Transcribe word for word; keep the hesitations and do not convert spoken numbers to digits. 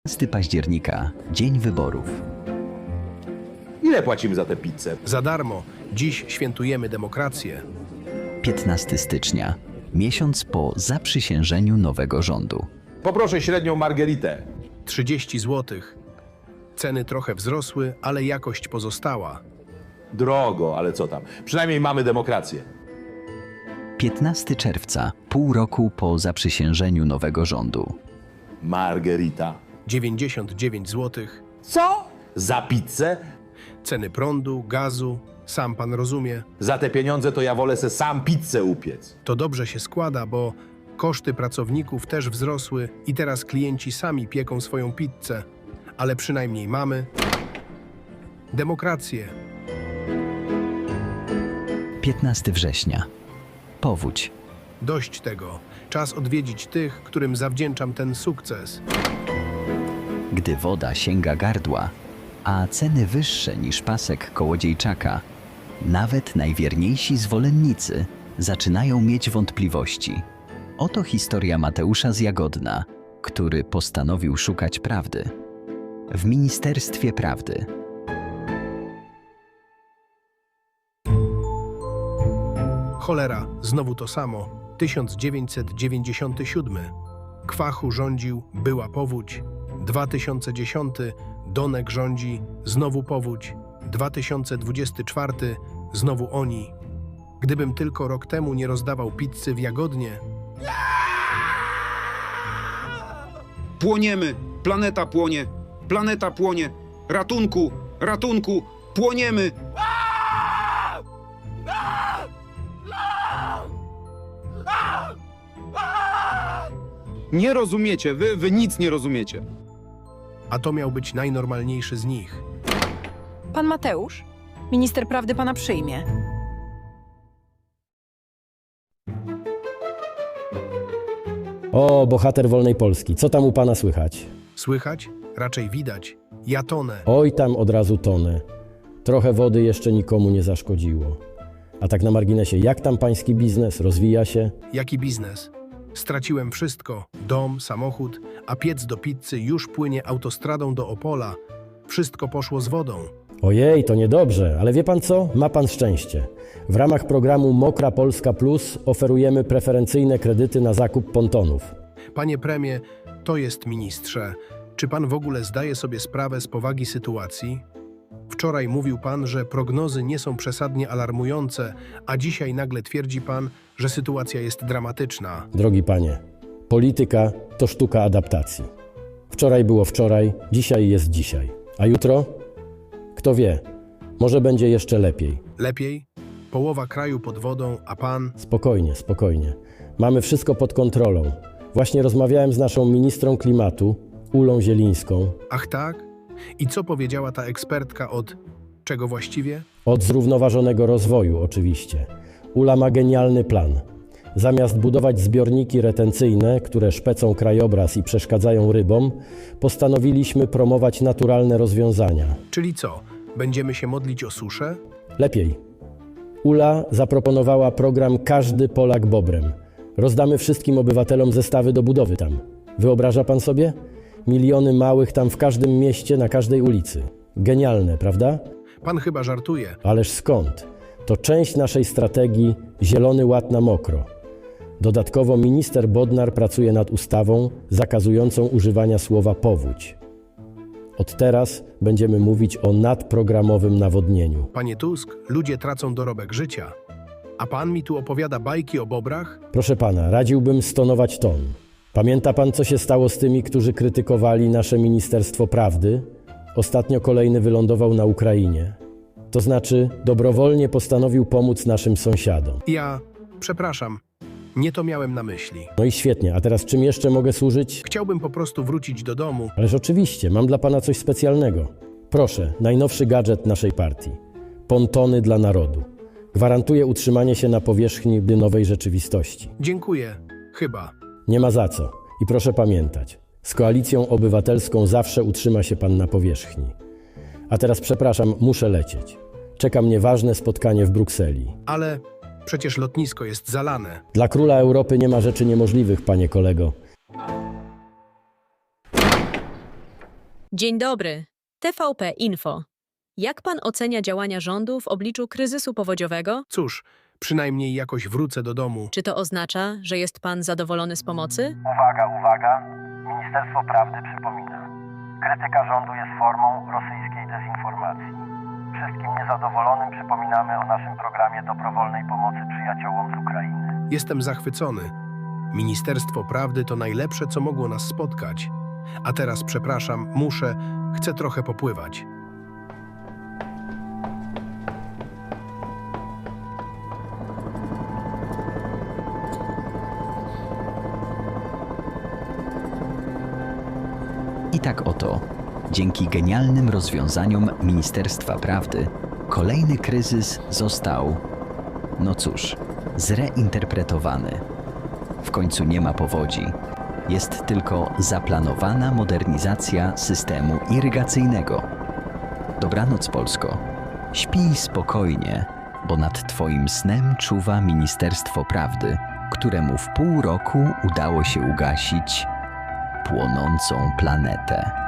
piętnastego października, dzień wyborów. Ile płacimy za tę pizzę? Za darmo. Dziś świętujemy demokrację. piętnastego stycznia, miesiąc po zaprzysiężeniu nowego rządu. Poproszę średnią margeritę. trzydzieści złotych. Ceny trochę wzrosły, ale jakość pozostała. Drogo, ale co tam? Przynajmniej mamy demokrację. piętnastego czerwca, pół roku po zaprzysiężeniu nowego rządu. Margerita. dziewięćdziesiąt dziewięć złotych. Co? Za pizzę? Ceny prądu, gazu. Sam pan rozumie. Za te pieniądze to ja wolę se sam pizzę upiec. To dobrze się składa, bo koszty pracowników też wzrosły i teraz klienci sami pieką swoją pizzę. Ale przynajmniej mamy demokrację. piętnastego września, powódź. Dość tego. Czas odwiedzić tych, którym zawdzięczam ten sukces. Gdy woda sięga gardła, a ceny wyższe niż pasek kołodziejczaka, nawet najwierniejsi zwolennicy zaczynają mieć wątpliwości. Oto historia Mateusza z Jagodna, który postanowił szukać prawdy. W Ministerstwie Prawdy. Cholera, znowu to samo. tysiąc dziewięćset dziewięćdziesiąty siódmy. Kwachu rządził, była powódź. dwa tysiące dziesiąty. Donek rządzi, znowu powódź. dwa tysiące dwudziesty czwarty. Znowu oni. Gdybym tylko rok temu nie rozdawał pizzy w Jagodnie. Płoniemy! Planeta płonie! Planeta płonie! Ratunku! Ratunku! Płoniemy! Nie rozumiecie, wy, wy nic nie rozumiecie. A to miał być najnormalniejszy z nich. Pan Mateusz? Minister prawdy pana przyjmie. O, bohater wolnej Polski, co tam u pana słychać? Słychać? Raczej widać. Ja tonę. Oj, tam od razu tonę. Trochę wody jeszcze nikomu nie zaszkodziło. A tak na marginesie, jak tam pański biznes? Rozwija się? Jaki biznes? Straciłem wszystko. Dom, samochód, a piec do pizzy już płynie autostradą do Opola. Wszystko poszło z wodą. Ojej, to niedobrze, ale wie pan co? Ma pan szczęście. W ramach programu Mokra Polska Plus oferujemy preferencyjne kredyty na zakup pontonów. Panie premie, to jest ministrze. Czy pan w ogóle zdaje sobie sprawę z powagi sytuacji? Wczoraj mówił pan, że prognozy nie są przesadnie alarmujące, a dzisiaj nagle twierdzi pan, że sytuacja jest dramatyczna. Drogi panie, polityka to sztuka adaptacji. Wczoraj było wczoraj, dzisiaj jest dzisiaj. A jutro? Kto wie, może będzie jeszcze lepiej. Lepiej? Połowa kraju pod wodą, a pan... Spokojnie, spokojnie. Mamy wszystko pod kontrolą. Właśnie rozmawiałem z naszą ministrą klimatu, Ulą Zielińską, Ach tak? I co powiedziała ta ekspertka od... czego właściwie? od zrównoważonego rozwoju oczywiście. Ula ma genialny plan. Zamiast budować zbiorniki retencyjne, które szpecą krajobraz i przeszkadzają rybom, postanowiliśmy promować naturalne rozwiązania. Czyli co? Będziemy się modlić o suszę? Lepiej. Ula zaproponowała program Każdy Polak Bobrem. Rozdamy wszystkim obywatelom zestawy do budowy tam. Wyobraża pan sobie? Miliony małych tam w każdym mieście, na każdej ulicy. Genialne, prawda? Pan chyba żartuje. Ależ skąd? To część naszej strategii Zielony Ład na mokro. Dodatkowo minister Bodnar pracuje nad ustawą zakazującą używania słowa powódź. Od teraz będziemy mówić o nadprogramowym nawodnieniu. Panie Tusk, ludzie tracą dorobek życia. A pan mi tu opowiada bajki o bobrach? Proszę pana, radziłbym stonować ton. Pamięta pan, co się stało z tymi, którzy krytykowali nasze Ministerstwo Prawdy? Ostatnio kolejny wylądował na Ukrainie. To znaczy, dobrowolnie postanowił pomóc naszym sąsiadom. Ja... przepraszam. Nie to miałem na myśli. No i świetnie, a teraz czym jeszcze mogę służyć? Chciałbym po prostu wrócić do domu. Ależ oczywiście, mam dla pana coś specjalnego. Proszę, najnowszy gadżet naszej partii. Pontony dla narodu. Gwarantuje utrzymanie się na powierzchni nowej rzeczywistości. Dziękuję. Chyba. Nie ma za co. I proszę pamiętać, z Koalicją Obywatelską zawsze utrzyma się pan na powierzchni. A teraz przepraszam, muszę lecieć. Czeka mnie ważne spotkanie w Brukseli. Ale przecież lotnisko jest zalane. Dla króla Europy nie ma rzeczy niemożliwych, panie kolego. Dzień dobry. T V P Info. Jak pan ocenia działania rządu w obliczu kryzysu powodziowego? Cóż, przynajmniej jakoś wrócę do domu. Czy to oznacza, że jest pan zadowolony z pomocy? Uwaga, uwaga! Ministerstwo Prawdy przypomina. Krytyka rządu jest formą rosyjskiej dezinformacji. Wszystkim niezadowolonym przypominamy o naszym programie dobrowolnej pomocy przyjaciołom z Ukrainy. Jestem zachwycony. Ministerstwo Prawdy to najlepsze, co mogło nas spotkać. A teraz przepraszam, muszę, chcę trochę popływać. I tak oto, dzięki genialnym rozwiązaniom Ministerstwa Prawdy, kolejny kryzys został, no cóż, zreinterpretowany. W końcu nie ma powodzi. Jest tylko zaplanowana modernizacja systemu irygacyjnego. Dobranoc, Polsko. Śpij spokojnie, bo nad Twoim snem czuwa Ministerstwo Prawdy, któremu w pół roku udało się ugasić płonącą planetę.